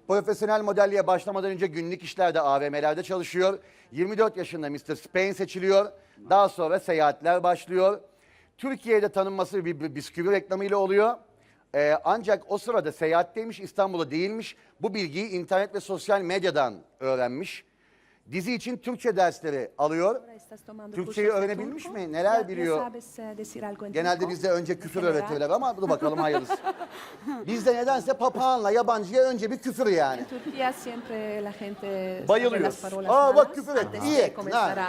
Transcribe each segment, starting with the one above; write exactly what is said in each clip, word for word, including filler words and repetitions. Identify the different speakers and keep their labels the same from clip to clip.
Speaker 1: Profesyonel modelliğe başlamadan önce günlük işlerde A V M'lerde çalışıyor. yirmi dört yaşında mister Spain seçiliyor. Daha sonra seyahatler başlıyor. Türkiye'de tanınması bir bir bisküvi reklamıyla oluyor. Ee, ancak o sırada seyahatteymiş, İstanbul'da değilmiş. Bu bilgiyi internet ve sosyal medyadan öğrenmiş. Dizi için Türkçe dersleri alıyor. Türkçeyi öğrenebilmiş mi? Neler biliyor? Genelde bizde önce küfür öğretirler ama dur bakalım hayırlısı. Bizde nedense papağanla yabancıya önce bir küfür yani. Bayılıyoruz. Aa bak küfür et. İyi ettin.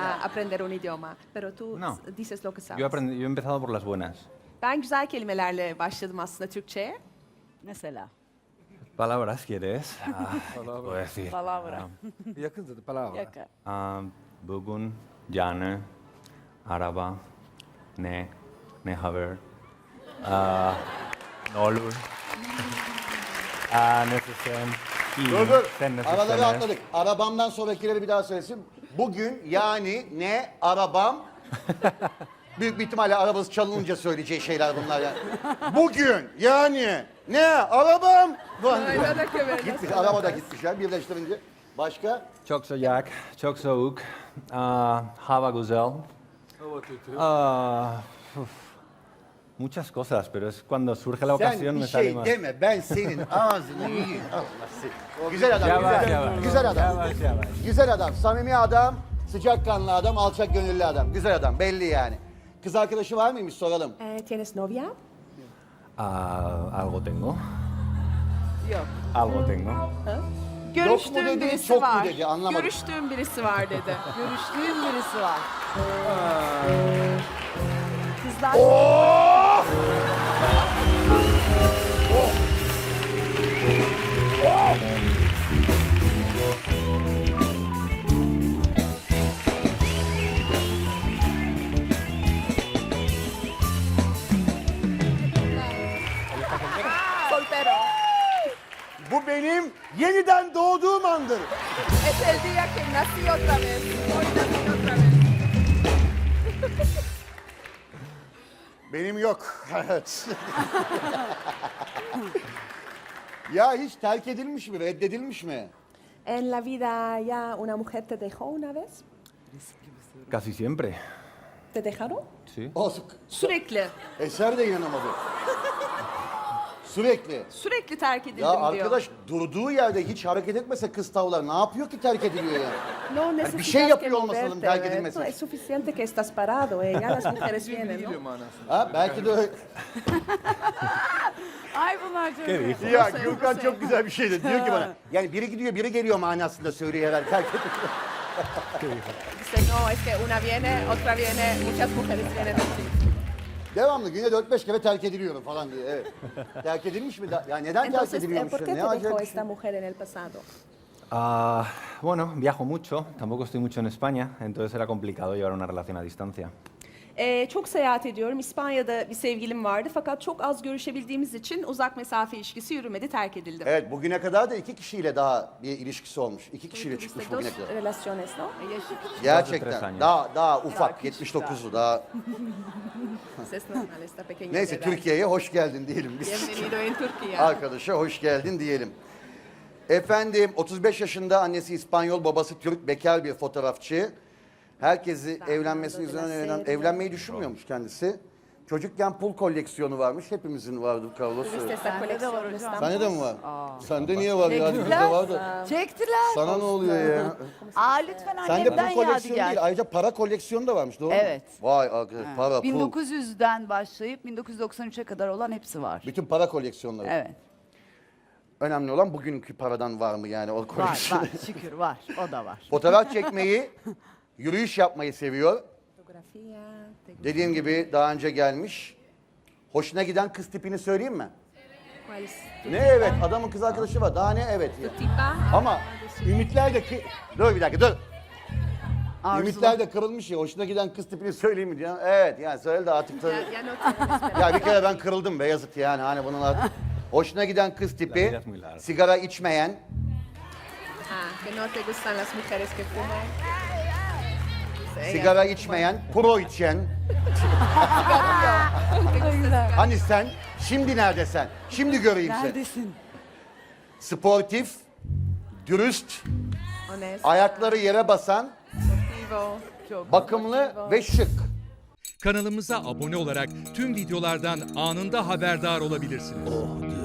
Speaker 2: No. Yo, aprendí, yo he empezado por las buenas.
Speaker 3: Ben güzel kelimelerle başladım aslında Türkçe'ye.
Speaker 4: Mesela.
Speaker 2: Palabras, ¿quieres? Ah, puedo decir.
Speaker 4: Palavra.
Speaker 5: Yakın dedi palavra.
Speaker 4: Yakın.
Speaker 2: Ah, bugün, yani, araba, ne, ne haber, ah, ne olur, ah, necesen, y,
Speaker 1: Dur dur.
Speaker 2: sen
Speaker 1: Araları
Speaker 2: necesines.
Speaker 1: atladık. Arabamdan sonrakileri bir daha söylesin. Bugün yani ne arabam. Büyük bir ihtimalle arabası çalınınca söyleyeceği şeyler bunlar yani. Bugün yani ne arabam. Gitmiş, araba da gitmişler birleştirince. Başka?
Speaker 2: Çok sıcak, çok soğuk, ah, hava güzel.
Speaker 5: Hava kötü.
Speaker 2: Ah, uf, muchas cosas, pero es cuando surge la
Speaker 1: Sen
Speaker 2: ocasión
Speaker 1: bir
Speaker 2: me sale
Speaker 1: şey
Speaker 2: más.
Speaker 1: deme, ben senin ağzını yiyeyim. Allah seni. Güzel adam,
Speaker 2: Yavaş,
Speaker 1: güzel.
Speaker 2: yavaş.
Speaker 1: Güzel adam.
Speaker 2: Yavaş, yavaş.
Speaker 1: Güzel adam, samimi adam, sıcakkanlı adam, alçak gönüllü adam. Güzel adam, belli yani. Kız arkadaşı var mıymış soralım.
Speaker 3: Tienes novia?
Speaker 2: Ah, algo tengo,
Speaker 4: Yok.
Speaker 2: algo tengo.
Speaker 3: Görüştüğüm
Speaker 1: dedi,
Speaker 3: birisi
Speaker 1: çok mu
Speaker 3: var.
Speaker 1: dedi, anlamadım.
Speaker 3: Görüştüğüm birisi var dedi.
Speaker 4: Görüştüğüm birisi var.
Speaker 3: Kızlar soltero.
Speaker 1: Bu benim yeniden doğduğum andır.
Speaker 3: Es el día que nací otra vez. Hoy nací otra vez.
Speaker 1: Benim yok. Evet. Ya hiç terk edilmiş mi, reddedilmiş mi?
Speaker 3: En la vida ya una mujer te dejó una vez?
Speaker 2: Casi siempre,
Speaker 3: ¿Te dejaron?
Speaker 2: sí.
Speaker 1: O,
Speaker 3: Sürekli.
Speaker 1: Eser de inanamadı. Sürekli.
Speaker 3: Sürekli terk edildim
Speaker 1: Ya
Speaker 3: diyor.
Speaker 1: arkadaş durduğu yerde hiç hareket etmese kız tavlar ne yapıyor ki terk ediliyor yani?
Speaker 3: No
Speaker 1: bir
Speaker 3: necesitas
Speaker 1: şey
Speaker 3: que
Speaker 1: yapıyor olması lazım
Speaker 3: moverte,
Speaker 1: terk
Speaker 3: ¿eh?
Speaker 1: edilmesi
Speaker 3: No,
Speaker 1: için.
Speaker 3: es suficiente que estás parado, eh. Ya las mujeres vienen,
Speaker 5: Gidiyor
Speaker 3: ¿no?
Speaker 5: manasında.
Speaker 1: Ha belki de öyle.
Speaker 4: Ay bunlar çok
Speaker 2: ¿Qué
Speaker 4: iyi.
Speaker 2: dijo?
Speaker 1: Ya
Speaker 3: Nasıl,
Speaker 1: Gürkan
Speaker 3: nasıl?
Speaker 1: çok güzel bir şeydi. Diyor ki bana yani biri gidiyor biri geliyor manasında söylüyor herhalde terk ediliyor.
Speaker 3: Dice, no, es que una viene, otra viene, muchas mujeres vienen así.
Speaker 1: Devamlı güne dört beş kere terk ediliyorum falan diye. Evet. Terk edilmiş mi? da- Ya neden terk
Speaker 3: Entonces, eh,
Speaker 1: ediliyormuş?
Speaker 3: ¿por qué
Speaker 1: Ne
Speaker 3: te dejó
Speaker 1: acayip bir
Speaker 3: esta
Speaker 1: şey.
Speaker 3: mujer en el pasado?
Speaker 2: Ah, bueno, viajo mucho, tampoco estoy mucho en España, entonces era complicado llevar una relación a distancia.
Speaker 3: Ee, çok seyahat ediyorum. İspanya'da bir sevgilim vardı fakat çok az görüşebildiğimiz için uzak mesafe ilişkisi yürümedi, terk edildim.
Speaker 1: Evet bugüne kadar da iki kişiyle daha bir ilişkisi olmuş. İki kişiyle çıkmış
Speaker 3: Tuviste dos
Speaker 1: bugüne kadar.
Speaker 3: relaciones, ¿no?
Speaker 2: tres
Speaker 1: Gerçekten.
Speaker 2: años.
Speaker 1: Daha daha ufak
Speaker 4: küçük
Speaker 1: yetmiş dokuzu daha.
Speaker 3: Es normal esta pequeña
Speaker 1: Neyse
Speaker 3: edad.
Speaker 1: Türkiye'ye hoş geldin diyelim biz.
Speaker 3: Bienvenido en Turquía.
Speaker 1: Arkadaşa hoş geldin diyelim. Efendim otuz beş yaşında annesi İspanyol, babası Türk, bekar bir fotoğrafçı. Herkesi evlenmesini üzerine evlen, evlenmeyi düşünmüyormuş kendisi. Çocukken pul koleksiyonu varmış. Hepimizin vardı Carlos.
Speaker 3: Tuviste esta
Speaker 4: Bende de
Speaker 3: colección
Speaker 4: var
Speaker 3: de
Speaker 4: hocam.
Speaker 3: estampas.
Speaker 1: Sende de mi var? Sende niye var ya? Bizde var da.
Speaker 4: Çektiler.
Speaker 1: Sana ne oluyor ya?
Speaker 4: Aa lütfen
Speaker 1: Sende
Speaker 4: annemden
Speaker 1: pul koleksiyonu
Speaker 4: yadigar.
Speaker 1: değil. Ayrıca para koleksiyonu da varmış doğru mu?
Speaker 4: Evet.
Speaker 1: Vay arkadaş para, pul.
Speaker 4: bin dokuz yüzden başlayıp bin dokuz yüz doksan üçe kadar olan hepsi var.
Speaker 1: Bütün para koleksiyonları.
Speaker 4: Evet.
Speaker 1: Önemli olan bugünkü paradan var mı yani o
Speaker 4: Var
Speaker 1: koleksiyon.
Speaker 4: var şükür var. O da var.
Speaker 1: Fotoğraf çekmeyi, yürüyüş yapmayı seviyor.
Speaker 3: Fotografía, te-
Speaker 1: Dediğim gibi daha önce gelmiş. Hoşuna giden kız tipini söyleyeyim mi?
Speaker 3: ¿Cuál es tu
Speaker 1: Ne evet, adamın kız arkadaşı var. Daha ne evet ya.
Speaker 3: tipa?
Speaker 1: Ama ümitler de ki... Dur bir dakika dur.
Speaker 4: Arzular.
Speaker 1: Ümitler de kırılmış ya. Hoşuna giden kız tipini söyleyeyim mi diyor. Evet yani söyle de artık tabii.
Speaker 3: Ya, ya no tienes esperanza.
Speaker 1: Ya bir kere ben kırıldım be yazık yani. Hani bunun artık... Hoşuna giden kız
Speaker 2: La
Speaker 1: tipi,
Speaker 2: vida es muy larga.
Speaker 1: sigara içmeyen,
Speaker 3: Ah, que no te gustan las mujeres que fuman. Dice, ella
Speaker 1: sigara
Speaker 3: fuma.
Speaker 1: içmeyen, pro içen.
Speaker 3: ¿Te gusta cigarro?
Speaker 1: Hani sen, şimdi nerede sen? Şimdi göreyim seni.
Speaker 4: Neredesin?
Speaker 1: Sportif, dürüst,
Speaker 3: Honest,
Speaker 1: ayakları yere basan,
Speaker 3: motivo,
Speaker 4: Çok
Speaker 1: bakımlı
Speaker 4: motivo.
Speaker 1: ve şık.
Speaker 6: Kanalımıza abone olarak tüm videolardan anında haberdar olabilirsiniz.